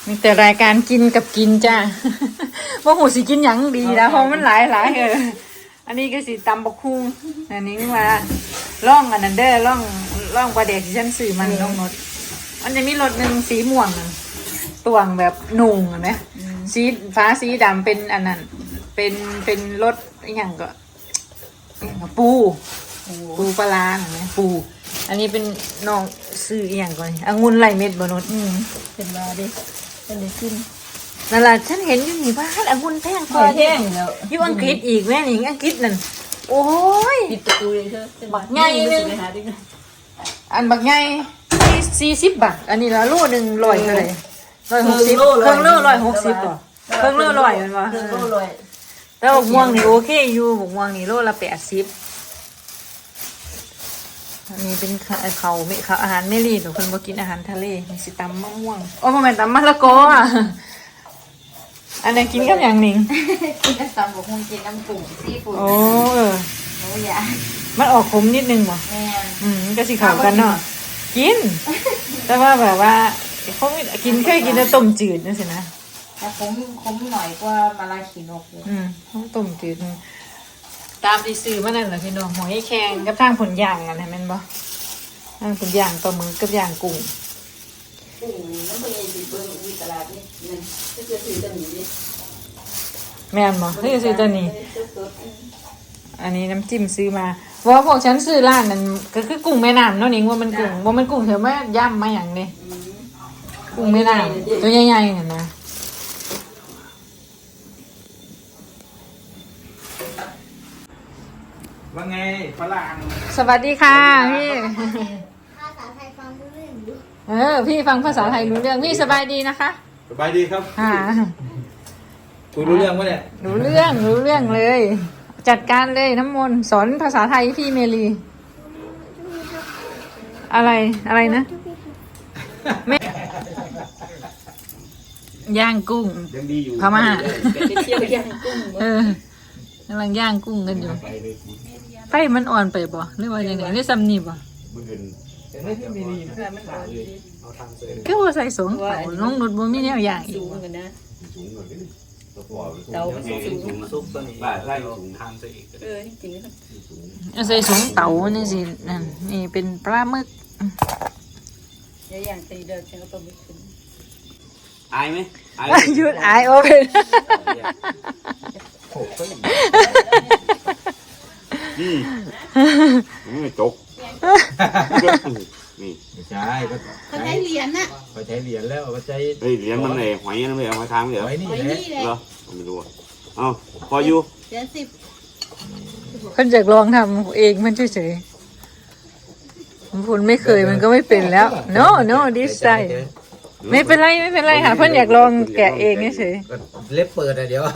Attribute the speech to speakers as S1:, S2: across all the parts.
S1: มีแต่รายการกินกับกินจ้าว่าหูสิกินหยังดีนะเพราะมันหลายอันนี้ก็สิตำบักคุ้งอันนี้มาล่องอันนั้นเด้อล่องปลาเด็กที่ฉันซื้อมันน้องนดมันจะมีรสหนึ่งสีม่วงตวงแบบนุ่งนะสีฟ้าสีดำเป็นอันนั้นเป็นรสอย่างก็ปูปลาร้าเนี่ยปูอันนี้เป็นน้องซื้ออย่างก่อนองุ่นไหลเม็ดบนนดเป็นว่าดิเป็นเลยขึ้นนั่นแหละฉันเห็นอยู่นี่บ้านองุ่นแพงกว่าแพงอยู่อังกฤษอีกแม่หนิงอังกฤษนั่นโอ้ย
S2: ปิดประตูเลยเธอบัก
S1: ใหญ่เลยอันบักใหญ่40 บาทอันนี้ละโลหนึ่ง100เท่าไหร่160เครื่องโล160ป่ะเครื่องโล100มันวะ
S2: เครื่องโล100
S1: แล้วบกม่วงนี่โอเคอยู่บกม่วงนี่โลละ80อันนี้เป็นเขาอาหารไม่รีดหรือคนบ่กินอาหารทะเลมีสิตำมะม่วงโอ้ประมาณตำมะละกออ่ะอันนี้กินกับอย่างหนิง
S2: กินกับตำบักหุ่งกินน้ำกุ้งซีฟู้ด
S1: โอ้
S2: โอ้ยา
S1: มันออกขมนิดนึงบ่
S2: แม่
S1: ก็สิเข้ากันเนาะกินแต่ว่าแบบว่าเขากินเคยกินแต่ต้มจืดนั่นสินะ
S2: แต่ขมหน่อยกว่ามาลาขีนกเลย
S1: ต้องต้มจืดตามที่ซื้อมานั่นแหละพี่น้องหอยแครงกับทางผลย่างกันเห็นไหมบ่ทางผลย่างปลาหมึกกับย่างกุ้ง
S2: น้ำมันเย็นดีเบิ้งมีตลาดนี่นั่นจะซื้อตัวนี้ดิ
S1: แม่นบ่นี่ซื้อตัวนี้อันนี้น้ำจิ้มซื้อมาเพราะว่าพวกฉันซื้อร้านนั้นก็คือกุ้งแม่น้ำเนาะนี่ว่ามันกุ้งเถอะแม่ย่ำมาอย่างนี้กุ้งแม่น้ำตัวใหญ่ๆเห็นไหม
S3: ว่าไงฝรั่ง
S1: สวัสดีค่ะพี่
S4: ภาษาไทยฟังรู้เรื่องอยู่
S1: พี่ฟังภาษาไทยรู้เรื่องพี่สบายดีนะคะ
S3: สบายดีครับ
S1: ค่ะ
S3: คุยรู้เรื่องปะเนี่ย
S1: รู้เรื่องเลยจัดการเลยน้ำมนต์สอนภาษาไทยพี่เมลีอะไรนะแม่ย่างกุ้ง
S3: ยังดีอยู่
S1: พม่า
S2: ไปเที่ยวย่างกุ้ง
S1: กำลังย่างกุ้งกันอยู่ไฟมันอ่อนไปบ่หรือว่าอย่างไรนี่ซ้ำนี่บ่ก็ว่าใส่สงเต่าน้องนุชบ่มีแนวอย่างอีก
S2: กันนะ
S3: เตาสูงซุปตัวนี้ใส่สูงทางตัวเอง
S2: จริง
S1: ๆใส่สงเต่านี่สินั่นนี่เป็นปลาหมึก
S2: อย่างตีเดินฉันก็ต้องไม่ขึ้น
S3: อายไหม
S1: หยุดอายโอเค
S3: นี่จกนี่
S4: ใช่เขาใช้เหรียญน่ะ
S3: เขาใช้เหรียญแล้วเขาใช้เหรียญมันเลยหอยนั่นเลยเอาหอยทางเหรอหอยนี่เหรอไม่รู้เอาพออยู่
S4: เหรียญ10
S1: คนจะลองทำเองมันเฉยๆคุณไม่เคยมันก็ไม่เป็นแล้ว no this time ไม่เป็นไรค่ะเพื่อนอยากลองแกะเองเฉย
S3: เล็บเปิดอะเดี๋ยว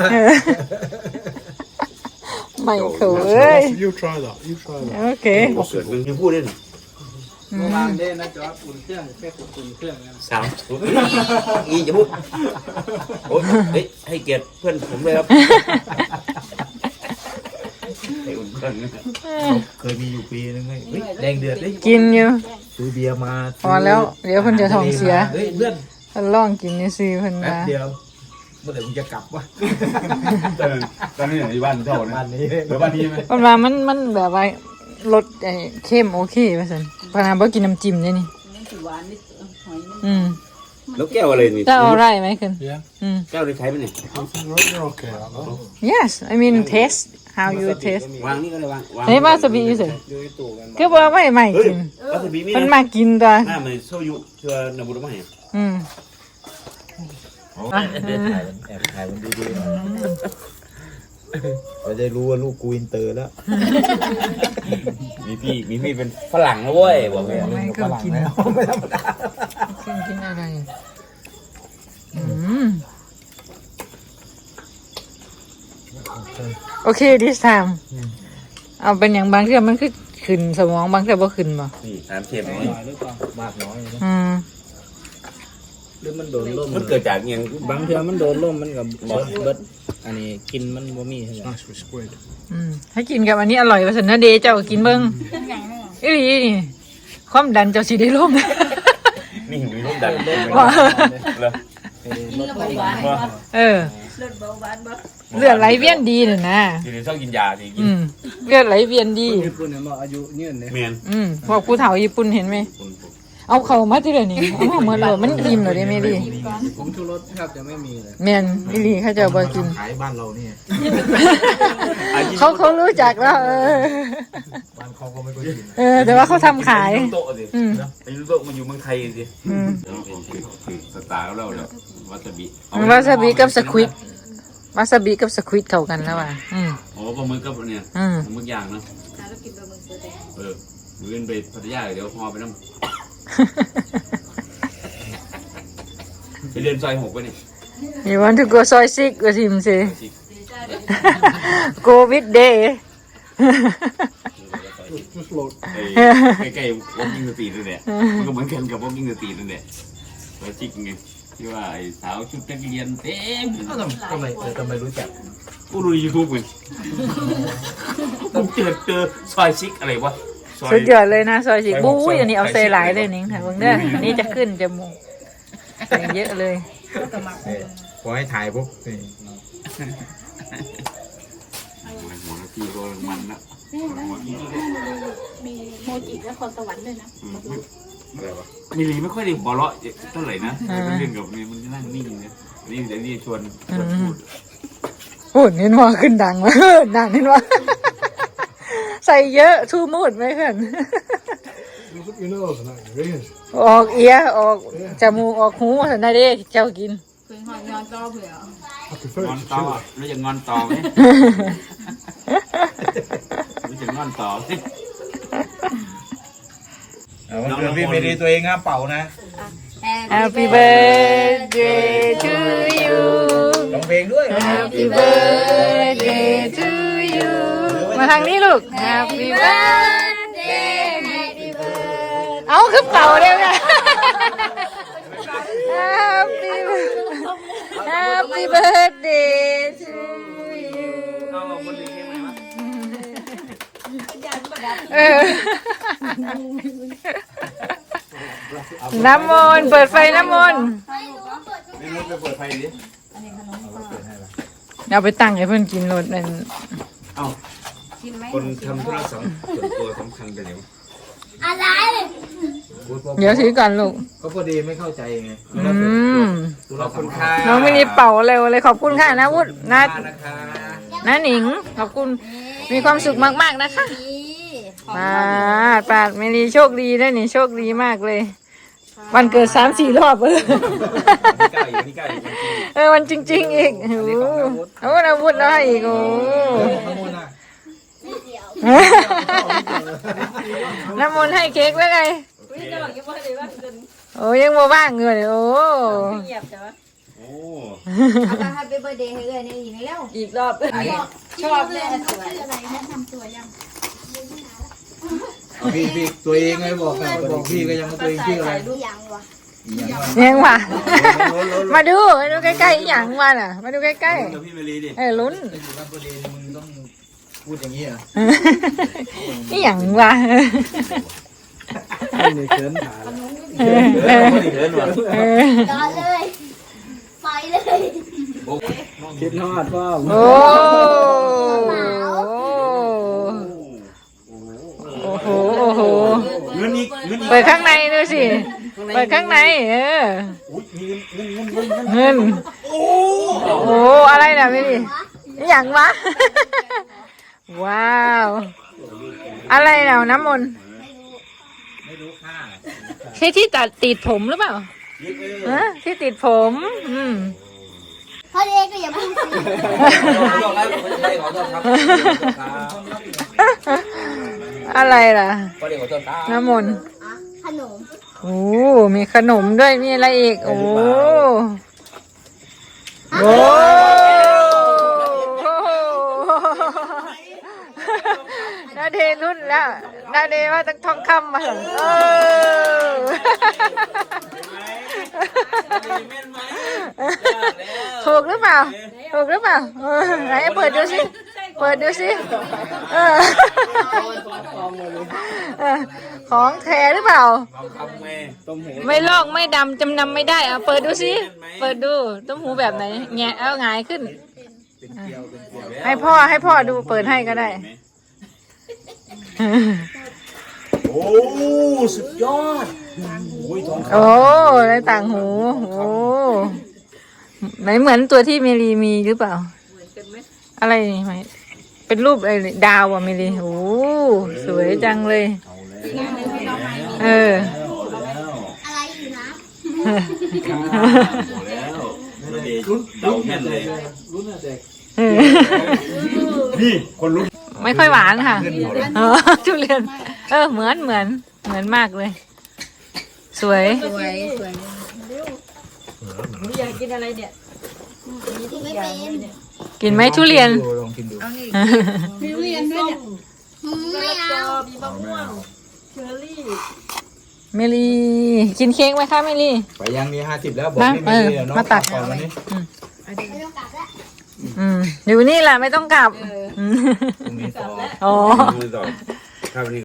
S1: ไม่เคย
S5: You try that
S1: โอเค
S3: เกิดมึงพูดได้หรอ
S5: วางได้นะจ๊ะอุ่นเครื่องแค่อุ่นเครื่อง
S3: สามอีจะพูดโอ้ยให้เกียรติเพื่อนผมเลยครับให้อุ่นเครื่องเคยมีอยู่ปีนึงไงแดงเดือด
S1: กินอยู่
S3: ซื้อเบียร์มา
S1: พอแล้วเดี๋ยวเพิ่นจะท้องเสีย
S3: เพื่อน
S1: เพิ่นลองกินนี่สิเพิ่นมา
S3: เดียวเมื่อไหร่มึงจะกลับวะตอนนี้อยู่บ้านเจ้านะบ้านนี้หรือบ้านนี้ไหม
S1: เพิ่นว่ามันแบบว่ารสเข้มโอเคว่าซั่นพนาบ่กินน้ำจิ้มนี่
S2: นี่สิหวานนิดหอย
S3: แล้วแก้วอะไรนี่
S1: จะเอาอะไรไหมคุณ
S3: แก้วได้ใช้ไหมเนี่ย
S1: Yes I mean taste how you taste
S3: วางนี่ก็ได้วาง
S1: เฮ้ยวาซาบิอยู่สิคือว่าไม่กิน
S3: วาซาบิมี
S1: มันมากินตัว
S3: น่ามันโซยุเชื่อนาบุรุษไหมถ่ายมันดีเราจะรู้ว่าลูกกูอินเตอร์แล้วมีพี่เป็นฝรั่งนะเว้ยบอกเลย
S1: ไม่เคยกินไม่ธรรมดากินอะไรโอเค this time เอาเป็นอย่างบางเรื่องมันคือขึ้นสมองบางเรื่องบ่ขึ้นบ่
S3: นี่ถามเทียมนี่มากน้อย
S5: หรือมันโดนลม
S3: มันเกิดจากอย่าง
S5: บางเทีมันโดนลมมันกับเบิดอันนี้กินมันบ่มีใช่ไหม
S1: ให้กินกับอันนี้อร่อยว่าสันนะเดเจ้ากินเบิ้งนี่ความดันเจ้าสิได้ลง
S3: นี่มีร่มดัน
S1: ว่า
S2: กินแล้วเบาหวานบ่
S1: เออ
S2: ลดเบาหวานบ่
S1: เลือดไหลเวียนดีน่ะนะ
S3: ทีนี้ต้องกินยาสิกิน
S1: เลือดไหลเวียนดี
S5: ญี่ปุ่นเนี่ยมาอายุยืนเลย
S3: เมียน
S1: พวกผู้เฒ่าญี่ปุ่นเห็นไหมเอาเข้ามาที่เดี๋ยวนี้เอาเข้ามาเลยมันอิ่มเหรอเด้แม่ดี
S5: ผมชูรสแทบจะไม่มีเลย
S1: แม่นอีหลีเขาจะเอาบ่กิน
S5: ขายบ้านเราเนี่ย
S1: เขารู้จักแล้ว
S5: บ้านเขาก็ไม่ค่อยกิน
S1: แต่ว่าเขาทำขาย
S3: โต๊ะสิไอ้โต๊ะมันอยู่เมืองไทยสิคือสตาร์เราเลยวาซาบิ
S1: วาซาบิกับสควิดวาซาบิกับสควิดเข้ากันแล้วว่ะ
S3: โอ้ปลาหมึกกับเนี่ยปลาหมึกย่างเนาะ
S2: แล้วกินปลาหมึกตัวแดง
S3: มื้อไปพัทยาเดี๋ยวพอไปน้ำไปเรียนซอย6ไปนี่
S1: You want to go soy sick with him say go with day
S3: ใกล้ๆวอล์กกิ้งสตรีทนั่นแหละมันก็เหมือนกันกับวอล์กกิ้งสตรีทนั่นแหละซอยชิกไงที่ว่าไอ้สาวชุดนักเรียนเต็ม
S5: ทำไมรู้จัก
S3: กูดูยูทูบเลยผมเจอซอยชิกอะไรวะ
S1: สุดยอดเลยนะซอยสิบู๊ยอันนี้เอาใส่หลายเลยนิ้งค่ะเบิ่งเด้ออันนี้จะขึ้นจมูกใส่เยอะเลย
S5: พอให้ถ่ายปุ๊บนี่
S3: หัวพี่ก็มันนะ
S2: มีโมจิและคอนสวรรค์ด้วยนะ
S3: มีลีไม่ค่อยได้หัวเราะเท่าไหร่นะเรื่องกับนี่มันนั่งนิ่งนะนี่เดี๋ยวนี่ชวนพูด
S1: โอ้เน้นว่าขึ้นดังวะดังเน้นว่าใส่เยอะทูมูดไหมเพื่อนออกเอียออกจมูกออกหูสันได้เด้เจ้ากิน
S2: คืนหอยนอนต่อเผื่อง
S3: อนต่อแล้วจะงอนต่อไหมรู้จะงอนต่อไหม
S5: วันเกิดพี่เมรีตัวเองห้ามเป่านะ
S1: Happy birthday to you
S5: ร้องเพลงด้วย
S1: Happy birthday to you มาทางนี้ลูก Happy birthday Happy birthday เอาคือเป่าเร็วเนี่ย Happy birthday to you น้ำมนต์เปิดไฟน้ำมนต์
S3: ไม่รู้ไปเปิดไฟดิ
S1: เอาไปตั้งให้เพื่อนกินรถนั่น
S3: เอ้าคนทำธุระส่วนตัวสำคัญไปไหนวะ
S4: อะไร
S1: เดี๋ยวถือก่อนลูก
S5: ก็พอดีไม่เข้าใจไง
S3: ขอบคุณค่ะ
S1: น้องไม่ได้เป่าเร็วเลยขอบคุณค่ะนะวุฒินะ
S5: นะคะ
S1: นะหนิงขอบคุณมีความสุขมากๆนะคะปาดไม่ดีโชคดีได้นี่โชคดีมากเลย วันเกิด3-4 รอบ
S3: นี่ก้าวอีก
S1: วันจริงๆอีกโอ้นะวุฒิแล้วให้อีกโอ้น้ำมนต์ให้เค้กแล้วไงโอ้ยังมาว่างเงินโอ้
S2: เงียบแต่ว่า
S3: โอ้
S4: เอาไปให้เบอร์เดย์ให้เลยนี่อีกแล้ว
S1: อีกรอบ
S2: ชอบเลย
S4: ชื่ออะไรแนะนำตัวยัง
S5: พี่ตัวเองไงบอกพี่ก็ยังตัวเองชื่ออะไร
S4: ยังวะ
S1: ยังว่ะมาดูใกล้ๆอย่างว่าน่ะมาดูใกล้
S3: กับพี่เมลีดิ
S1: ๆลุ้น
S5: อยู่กับพอดีมึงต้องพูดอย่างนี้อ่ะ
S1: นี่อย่างว่ะ
S5: ไม่ได้เขินถ่าย
S3: ไม่ได้เดินว่ะ
S4: ต่อเลยไปเลย
S5: คิดฮอดพ่อ
S1: โอ้โหโอ้โห
S3: เงินอีก
S1: เปิดข้างในดูสิเปิดข้างในเงินโอ้อะไรนะพี่ดินี่อย่างวะว้าวอะไรนะน้ำมนต์
S5: ไม่รู้ค่า
S1: ใช่ที่ติดผมหรือเปล่าที่ติดผม
S4: พ่อเด็กก็อย่าพูดสิ
S1: อะไรล่ะ
S5: ก็เดี๋ยวต้นตา
S1: น้ำมนต์
S4: ขนม
S1: โอ้มีขนมด้วยมีอะไรอีกโอ้โหนาเดรุ่นแล้วนาเดว่าต้องท่องคำมาเหรอถูกหรือเปล่าถูกหรือเปล่าไหนเปิดดูสิเปิดดูสิขของแท้หรือเปล่า
S3: ลองทำไง
S5: ต้มหู
S1: ไม่ลอกไม่ดำจำนำไม่ได้เอาเปิดดูสิเปิดดูต้มหูแบบไหนแงะเอาหงายขึ้น
S5: เป็นเกลียวเป็นเกลียว
S1: ให้พ่อดูเปิดให้ก็ได้
S5: โอ้สุดยอดโอ้ยทองค
S1: โอ้ในต่างหูโอ้ไหนเหมือนตัวที่เมลีมีหรือเปล่าอะไรนี่ไหมเป็นรูปอะไรดาวอ่ะเมลีโอ้สวยจังเลย เออ
S4: อะไรอยู่นะ
S3: โอ้แล้วระเดชเดาแม่นเลย
S5: รุ่นน่ะเด็ก
S3: นี่คนรู้
S1: ไม่ค่อยหวานค่ะทุเรียนเหมือนมากเลย สวย
S2: อยากกินอะไรเนี่ย
S4: กินไม่เป็น
S1: กินไหมทุเรียน
S5: ลองกินดู
S2: มีทุเรียนด้วยเนี่ย
S4: ไม่เอา
S2: มีมะม่วงเชอร์รี่
S1: เมลีกินเค้กไหมคะเมลี
S5: ไปยังมี50แล้วบอก
S1: มา
S5: ไม่มีเนาะ
S1: มาตัด
S5: ก่อนวันนี้
S4: ไม่ต้องกลับแล้ว
S1: อยู่นี่แหละไม่ต้องกลับ
S5: พรุ่งนี้ต่อ
S1: อ๋อ
S3: ดูต่อครับนี่